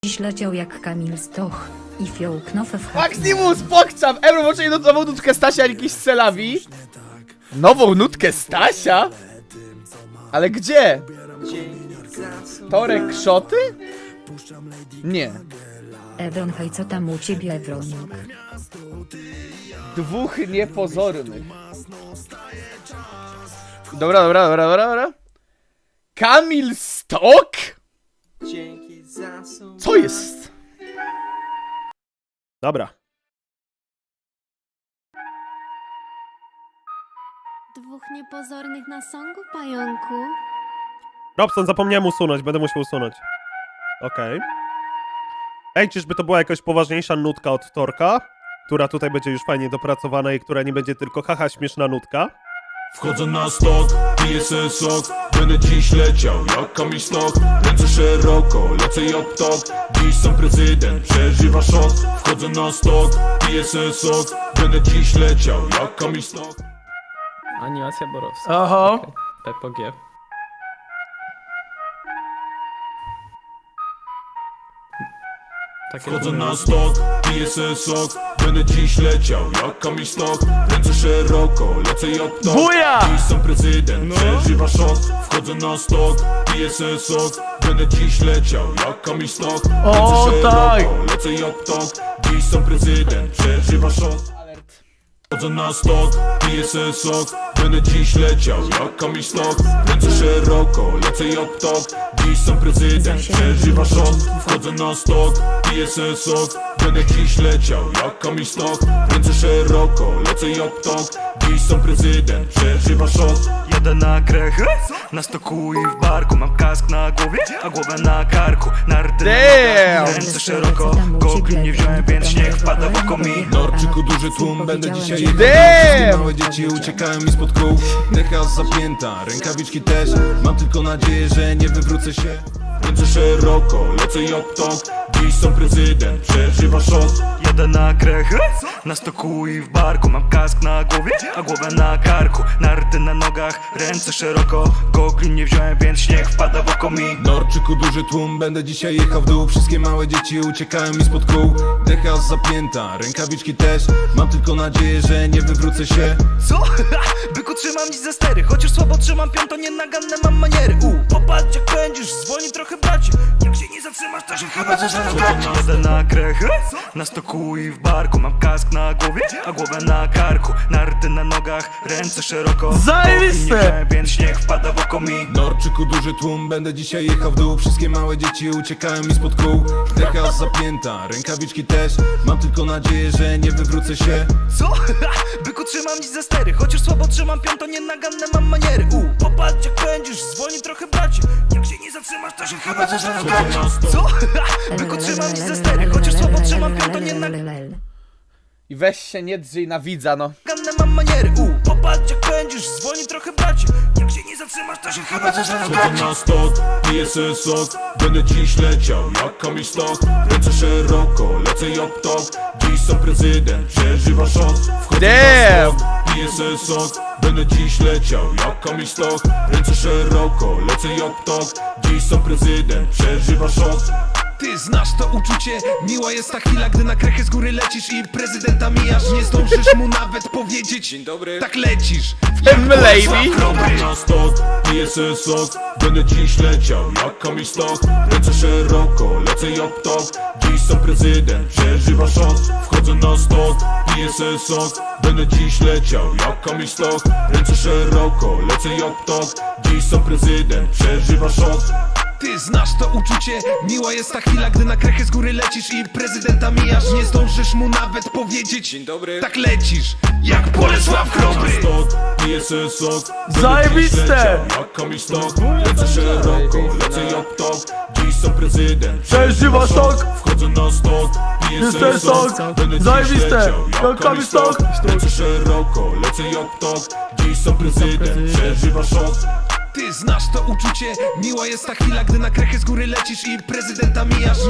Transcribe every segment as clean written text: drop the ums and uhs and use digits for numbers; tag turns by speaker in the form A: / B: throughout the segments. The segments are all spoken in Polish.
A: Dziś leciał jak Kamil Stoch i fiołknofe w
B: Maximus, pokczam! Ebro, może nową nutkę Stasia, jakiś Celawi? Nową nutkę Stasia? Ale gdzie? Torek Szoty? Nie.
A: Evron, hej, co tam u ciebie, Ewronik?
B: Dwóch niepozornych. Dobra. Kamil Stok? Co jest?
C: Dobra.
D: Dwóch niepozornych na songu, pająku.
C: Robson, zapomniałem usunąć, będę musiał usunąć. Okej. Ej, czyżby to była jakaś poważniejsza nutka od Torka? Która tutaj będzie już fajnie dopracowana i która nie będzie tylko haha śmieszna nutka.
E: Wchodzę na stok, piję se sok. Będę dziś leciał jak Kamil Stok. Ręce szeroko, lecę jak ptok. Dziś sam prezydent przeżywa szok. Wchodzę na stok, piję se sok. Będę dziś leciał jak Kamil Stok.
F: Animacja Borowska.
B: Oho.
F: Okay. Peppo G. Takie
E: Wchodzę
F: tu-
E: na stok, piję se sok. Będę dziś leciał jak Kamil Stok. Ręce szeroko, lecę jak ptok.
B: Buja!
E: Dziś sam prezydent przeżywa szok. Wchodzę na stok, piję se sok. Będę dziś leciał jak Kamil Stok.
B: O,
E: Ręce
B: tak!
E: szeroko, lecę jak ptok. Dziś sam prezydent przeżywa szok. Wchodzę na stok, piję se sok. Będę dziś leciał jak Kamil Stok. Ręce szeroko, lecę jak ptok. Dziś sam prezydent przeżywa szok. Wchodzę na stok, piję se sok. Będę dziś leciał jak Kamil Stok. Ręce szeroko, lecę jak ptok. Dziś sam prezydent przeżywa szok.
G: Jadę na krechę, na stoku i w barku. Mam kask na głowie, a głowę na karku. Narty na
B: Damn!
G: nogach, ręce szeroko. Gogli nie wziąłem, więc śnieg wpada wokół mi.
E: Norczyku duży tłum, będę dzisiaj jechał.
B: Damn!
E: Małe dzieci uciekają mi spod kół. Decha zapięta, rękawiczki też. Mam tylko nadzieję, że nie wywrócę się. Ręce szeroko, lecę jak ptok. Dziś sam prezydent przeżywa szok.
G: Jadę na krechę, na stoku i w barku. Mam kask na głowie, a głowę na karku. Narty na nogach, ręce szeroko. Gogli nie wziąłem, więc śnieg wpada wokół mi.
E: Norczyku duży tłum, będę dzisiaj jechał w dół. Wszystkie małe dzieci uciekają mi spod kół. Decha zapięta, rękawiczki też. Mam tylko nadzieję, że nie wywrócę się.
G: Co? Byku, trzymam dziś ze stery. Chociaż słabo trzymam piąto, nienaganne mam maniery. Popatrz jak pędzisz, dzwoni trochę bracie. Jak się nie zatrzymasz, to się chyba zaczynasz brać. Jadę na krechę, na stoku i w barku. Mam kask na głowie, a głowę na karku. Narty na nogach, ręce szeroko.
B: Zajebiste!
G: Gogli nie wziąłem, więc śnieg wpada wokół mi.
E: Norczyku duży tłum, będę dzisiaj jechał w dół. Wszystkie małe dzieci uciekają mi spod kół. Decha zapięta, rękawiczki też. Mam tylko nadzieję, że nie wywrócę się.
G: Co? Byku, trzymam dziś ze stery. Chociaż słabo trzymam piąto, nienaganne mam maniery. Popatrz jak pędzisz, dzwoni trochę bracie. Jak się nie zatrzymasz, to się chyba zaczynasz brać. Co? Byku, trzymam dziś ze stery. Chociaż słabo trzymam piąto, nienaganne
B: I weź się nie drzyj na widza, no.
G: mam maniery. Popatrz jak pędzisz, dzwoni trochę bracie. Jak się nie zatrzymasz, to się chyba zaczynasz brać.
E: Wchodzę na stok, piję se sok. Będę dziś leciał jak Kamil Stok. Ręce szeroko, lecę jak ptok. Dziś sam prezydent przeżywa szok. Wchodzę na
B: Damn!
E: stok, piję se sok. Będę dziś leciał jak Kamil Stok. Ręce szeroko, lecę jak ptok. Dziś sam prezydent przeżywa szok.
H: Ty znasz to uczucie, miła jest ta chwila, gdy na krechę z góry lecisz i prezydenta mijasz. Nie zdążysz mu nawet powiedzieć, dzień dobry, tak lecisz.
B: Lady!
E: Wchodzę na stok, piję se sok. Będę dziś leciał jak Kamil Stok. Ręce szeroko, lecę jak ptok. Dziś sam prezydent przeżywa szok. Wchodzę na stok, piję se sok. Będę dziś leciał jak Kamil Stok. Ręce szeroko, lecę jak ptok. Dziś sam prezydent przeżywa szok.
H: Ty znasz to uczucie, miła jest ta chwila, gdy na krechę z góry lecisz i prezydenta mijasz. Nie zdążysz mu nawet powiedzieć, dzień dobry, tak lecisz, jak Bolesław Chrobry.
E: Stok, piję se sok.
B: Zajebiste!
E: Będę dziś leciał jak Kamil Stok. Lecę szeroko, lecę jak ptok. Dziś sam prezydent
B: Przeżywa szok.
E: Wchodzę na stok, piję se sok. Będę dziś
B: Zajebiste!
E: leciał
B: Jak Kamil Stok.
E: Lecę szeroko, lecę jak ptok. Dziś sam prezydent przeżywa szok.
H: Ty znasz to uczucie, miła jest ta chwila, gdy na krechę z góry lecisz i prezydenta mijasz. Nie zdążysz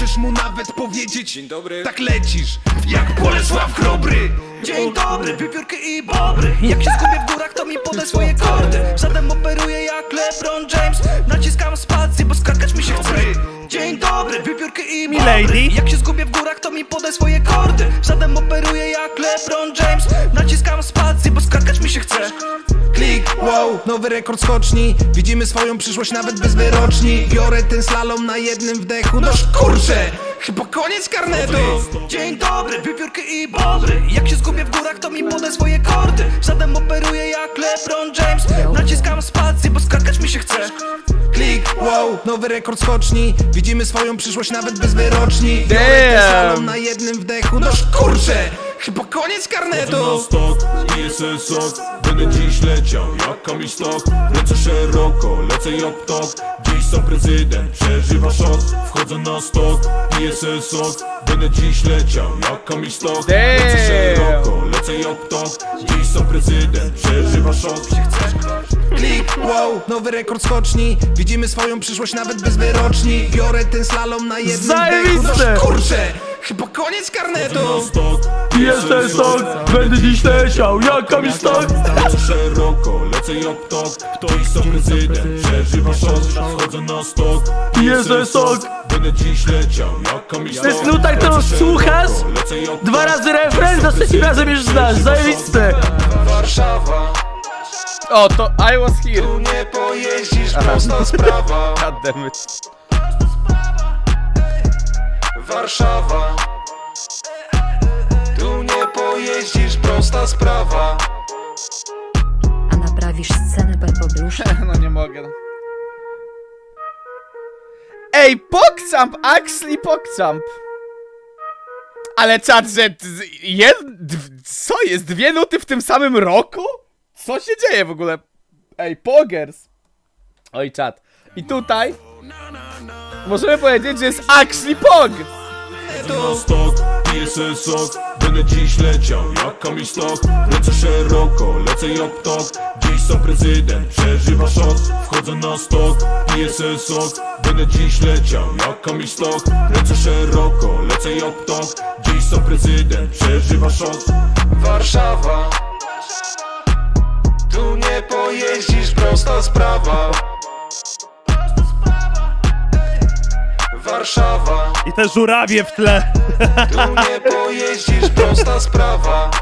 H: zdążysz mu nawet powiedzieć dzień dobry. Tak lecisz, jak Bolesław Chrobry.
G: Dzień dobry, wiewiórki i bobry. Jak się zgubię w górach, to mi podaj swoje kordy. Żaden operuje jak LeBron James. Naciskam spację, bo skakać mi się chce. Dzień dobry, wiewiórki i
C: Milady.
G: bobry. Jak się zgubię w górach, to mi podaj swoje kordy. Żaden operuje jak LeBron James. Naciskam spację, bo skakać mi się chce.
H: Klik, wow, nowy rekord skoczni. Widzimy swoją przyszłość nawet bez wyroczni. Biorę ten slalom na jednym wdechu. No kurczę, chyba koniec karnetu.
G: Dzień dobry, wiewiórki i bobry. Jak się zgubię w górach, to mi podaj swoje kordy. Żaden operuje jak LeBron James. Naciskam spację, bo skakać mi się chce.
H: Klik, wow, nowy rekord skoczni. Widzimy swoją przyszłość nawet bez wyroczni. Biorę ten
B: Damn.
H: slalom na jednym wdechu. No kurczę, chyba koniec karnetu.
E: Na stok, ISS sok. Będę dziś leciał jak Kamil Stok. Lecę szeroko, lecę jak ptok. Dziś sam prezydent przeżywa szok. Wchodzę na stok, ISS sok. Będę dziś leciał jak Kamil Stok. Lecę
B: Damn.
E: szeroko, lecę jak ptok. Dziś sam prezydent przeżywa szok.
H: Klik, wow, nowy rekord skoczni. Widzimy swoją przyszłość nawet bez wyroczni. Biorę ten slalom na jednym wdechu. No kurczę, chyba koniec karnetu.
E: Na stok,
B: ISS sok, będę dziś leciał jak Kamil Stok.
E: Lecę szeroko, lecę jak ptok. Dziś sam prezydent przeżywa szok. Wchodzę na stok,
B: ISS sok.
E: Będę dziś leciał jak Kamil Stok.
B: To jest nuta, którą
E: Lecę
B: słuchasz,
E: szeroko, lecę jak
B: Dwa
E: ptok.
B: razy refren, za trzecim razem już znasz, zajebiste.
H: Warszawa,
B: O, to I was here.
H: tu nie pojeździsz, prosta sprawa.
B: Goddammit.
H: Warszawa, tu nie pojeździsz, prosta sprawa.
A: A naprawisz scenę Pepoblusz?
B: No nie mogę. No. Ej, PogChamp! Actually PogChamp! Ale czat, że... Co jest? 2 nuty w tym samym roku? Co się dzieje w ogóle? Ej, Pogers! Oj, czat. I tutaj... Możemy powiedzieć, że jest actually Pog!
E: Na stok, ISS sok. Będę dziś leciał jak Kamil Stok. Lecę szeroko, lecę jak ptok. Dziś sam prezydent przeżywa szok. Wchodzę na stok, ISS sok. Będę dziś leciał jak Kamil Stok. Lecę szeroko, lecę jak ptok. Dziś sam prezydent przeżywa szok.
H: Warszawa, tu nie pojeździsz, prosta sprawa. Warszawa,
C: I te żurawie w tle.
H: tu nie pojeździsz, prosta sprawa.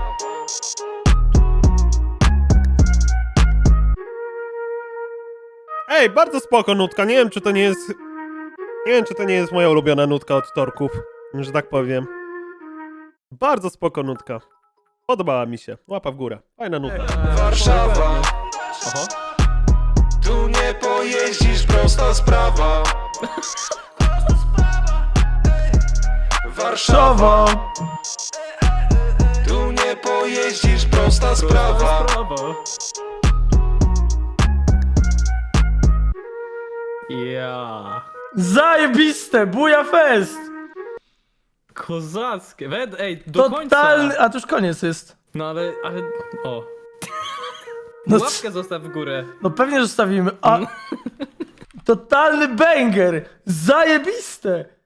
C: Ej, bardzo spoko nutka, nie wiem czy to nie jest... Nie wiem czy to nie jest moja ulubiona nutka od Torków, że tak powiem. Bardzo spoko nutka. Podobała mi się, łapa w górę, fajna nutka.
H: Warszawa, tu nie pojeździsz, prosta sprawa. Warszawa, tu nie pojeździsz, prosta sprawa.
F: Ja.
I: Zajebiste, buja fest!
F: Kozackie. Ej, do końca.
I: Totalny, a to już koniec jest.
F: No ale, o.
I: No,
F: Łapkę zostaw w górę.
I: no pewnie zostawimy, a... Totalny banger! Zajebiste!